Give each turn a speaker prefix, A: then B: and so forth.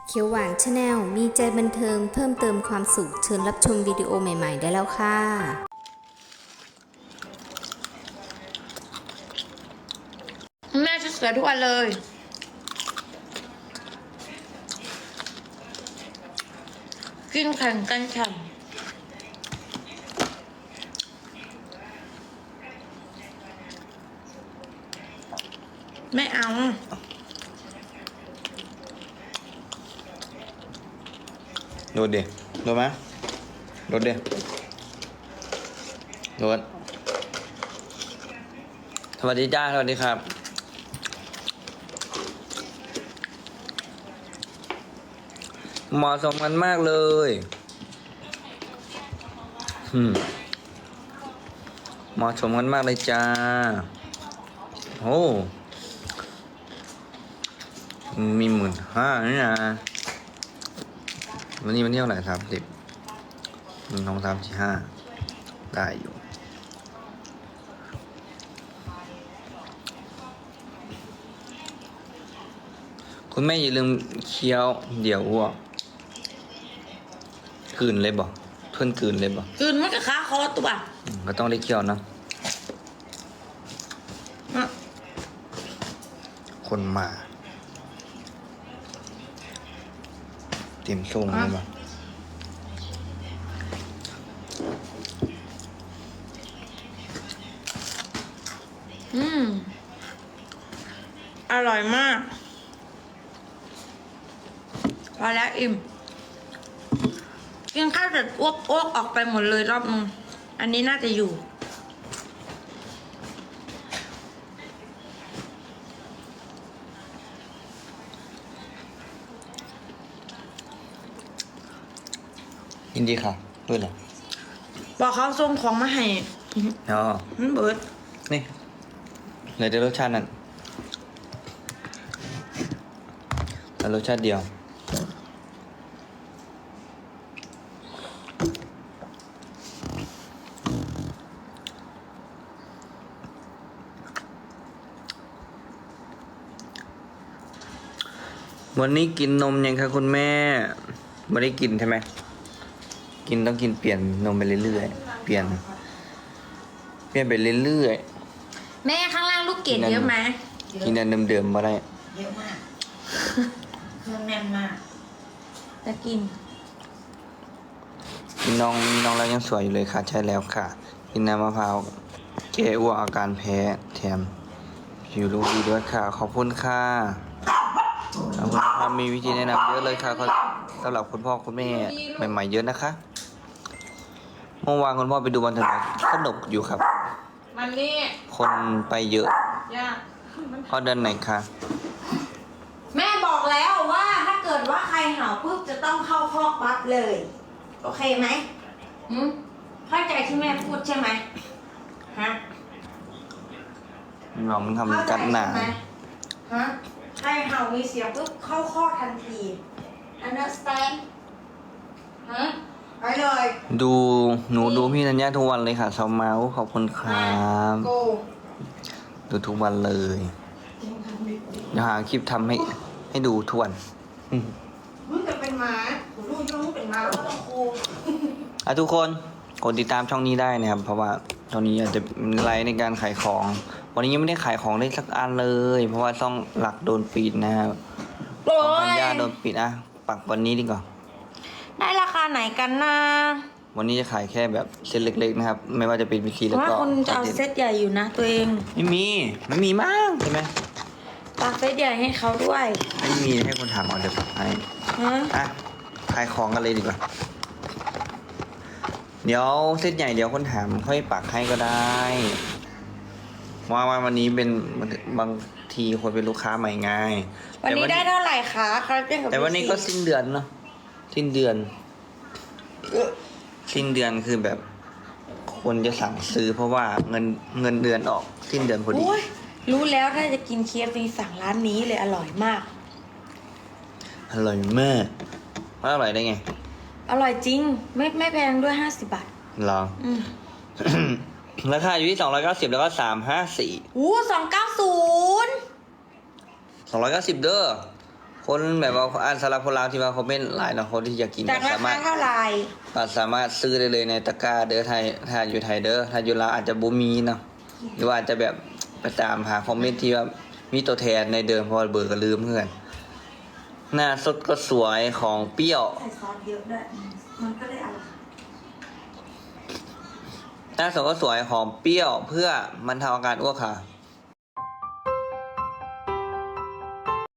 A: เขียวหวานชาแนลมีใจบันเทิงเพิ่มเติมความสุขเชิญรับชมวิดีโอใหม่ๆได้แล้วค่ะ
B: แม่จะสวยทุกวันเลย กินแข่งกันฉ่ำไม่เอา
C: โดดดิโดดไหมโดดดิโดดสวัสดีจ้าสวัสดีครับเหมาะสมกันมากเลยเหมาะสมกันมากเลยจ้าโอ้มี15,000นี่นะวันนี้วันที่เท่าไหร่30 1 2 3 4 5ได้อยู่คุณแม่อย่าลืมเคี้ยวเดี๋ยวอ้วกกลืนเลยบอกเพื่อนกลืนเลยบอก
B: กินมันกับข้าคอตัว
C: ก็ต้องได้เคี้ยวนะคนมาเตรียมส่งเลยบอก
B: อร่อยมาก พอแล้วอิ่ม กินข้าวเสร็จอ้วกออกไปหมดเลยรอบนึง อันนี้น่าจะอยู่
C: ยินดีค่ะด้วยเหรอ
B: บอกเขาส่งของมาให้
C: อ๋อ
B: มันเบิด
C: นี่เลยได้รสชาตินั้นแต่รสชาติเดียววันนี้กินนมยังคะคุณแม่ไม่ได้กินใช่ไหมกินต้องกินเปลี่ยนนมไปเรื่อยๆเปลี่ยนไปเรื่อย
B: แม่ข้างล่างลูกเกดเยอะไหม
C: ๆกินอันเดิมๆมาได้
D: เยอะมาก เครื่องแน่นมาก
B: จะกิน
C: น้องเรายังสวยอยู่เลยค่ะใช่แล้วค่ะ กินน้ำมะพร้าวแก้อ้วกอาการแพ้แถมผิวลูกดีด้วยค่ะขอบคุณค่ะขอบคุณค่ะมีวิธีแนะนำเยอะเลยค่ะสำหรับคุณพ่อคุณแม่ใหม่ๆเยอะนะคะเมื่อวานคุณพ่อไปดูบอลถนนสนุกอยู่ครับ
B: มันนี่
C: คนไปเยอะ
B: ยาก
C: พ่อเดินไหนคะ
D: แม่บอกแล้วว่าถ้าเกิดว่าใครเห่าปุ๊บจะต้องเข้าคอกปั๊บเลย โอเคไหมเข้าใจที่แม่พูดใช่ไหมฮะ
C: น้องมัน
D: เข้า
C: ทำ
D: ใจ
C: กัดหนา
D: ใช่ไหมฮะใครเห่ามีเสียงปุ๊บเข้าคอกทันที understand ฮะไปเลย
C: หนูดูพี่ธัญญาทุกวันเลยค่ะชาวเมาส์ขอบคุณครับ
D: โก
C: ดูทุกวันเลยเดี๋ยวหาคลิปทำให้ดูทุกวัน
D: มึงจะเป็นหมาผมรู้ว่ามึงเป็นหมาแล้วก็ต้องโค
C: ทุกคนกดติดตามช่องนี้ได้นะครับ เพราะว่าช่องนี้อาจจะมีไลฟ์ในการขายของ วันนี้ยังไม่ได้ขายของได้สักอันเลย เพราะว่าช่องหลักโดนปิดนะครับ
B: โอ้
C: ของธัญ
B: ย
C: ญาโดนปิดอ่ะปักวันนี้ดีกว่า
B: ได้ราคาไหนกันนะ
C: วันนี้จะขายแค่แบบเซตเล็กๆนะครับ ไม่ว่าจะเป็นวิธีแล้ว
B: ว่า
C: ก็
B: คุณจะเอาเซตใหญ่อยู่นะตัวเอง
C: ไม่มีมากใช่ไหม
B: ปากเซตใหญ่ให้เขาด้วย
C: ไม่มีให้คนถามเอาเดี๋ยวปักให้
B: ฮะ
C: อ่ะขายของกันเลยดีกว่า เดี๋ยวเซตใหญ่เดี๋ยวคนถามค่อยปักให้ก็ได้ว่าวันนี้เป็นบางทีคนเป็นลูกค้าใหม่ไง
B: วันนี้ได้เท่าไหร่คะคาราเต้นกับ
C: แต่วันนี้ก็สิ้นเดือนเนาะสิ้นเดือนคือแบบคนจะสั่งซื้อเพราะว่าเงินเดือนออกสิ้นเดือนพอดี
B: โอ้ยรู้แล้วถ้าจะกิน KFC สั่งร้านนี้เลยอร่อยมาก
C: อร่อยมากว่าอร่อยได้ไง
B: อร่อยจริง ไม่แพงด้วย50 บาท
C: ลอง
B: อืม
C: ราคาอยู่ที่290แล้วก็354
B: 290
C: 290เด้อคนแบบว่าอ่านสำหรับคนลาวที่ว่าคอมเมนต์หลายเนาะคนที่อยากกิน
B: จาก
C: ก็
B: รา
C: สามาร
B: คา
C: ถ
B: เท่าไหร่
C: สามารถซื้อได้เลยในตะกร้าเด้อไทยถ้าอยู่ไทยเด้อถ้าอยู่ลาวอาจจะบ่มีเนาะหรือว่าอาจจะแบบไปตามหาคอมเมนต์ที่ว่ามีตัวแทนในเดิมเพราะว่าเบอร์ก็ลืมเพื่อนหน้าสดก็สวยของเปรี้ยว
D: ใส่ซอสเยอะด้วยมันก็เลยอร่อย
C: หน้าสดก็สวยหอมเปรี้ยวเพื่อบรรเทาอาการอ้วกค่ะ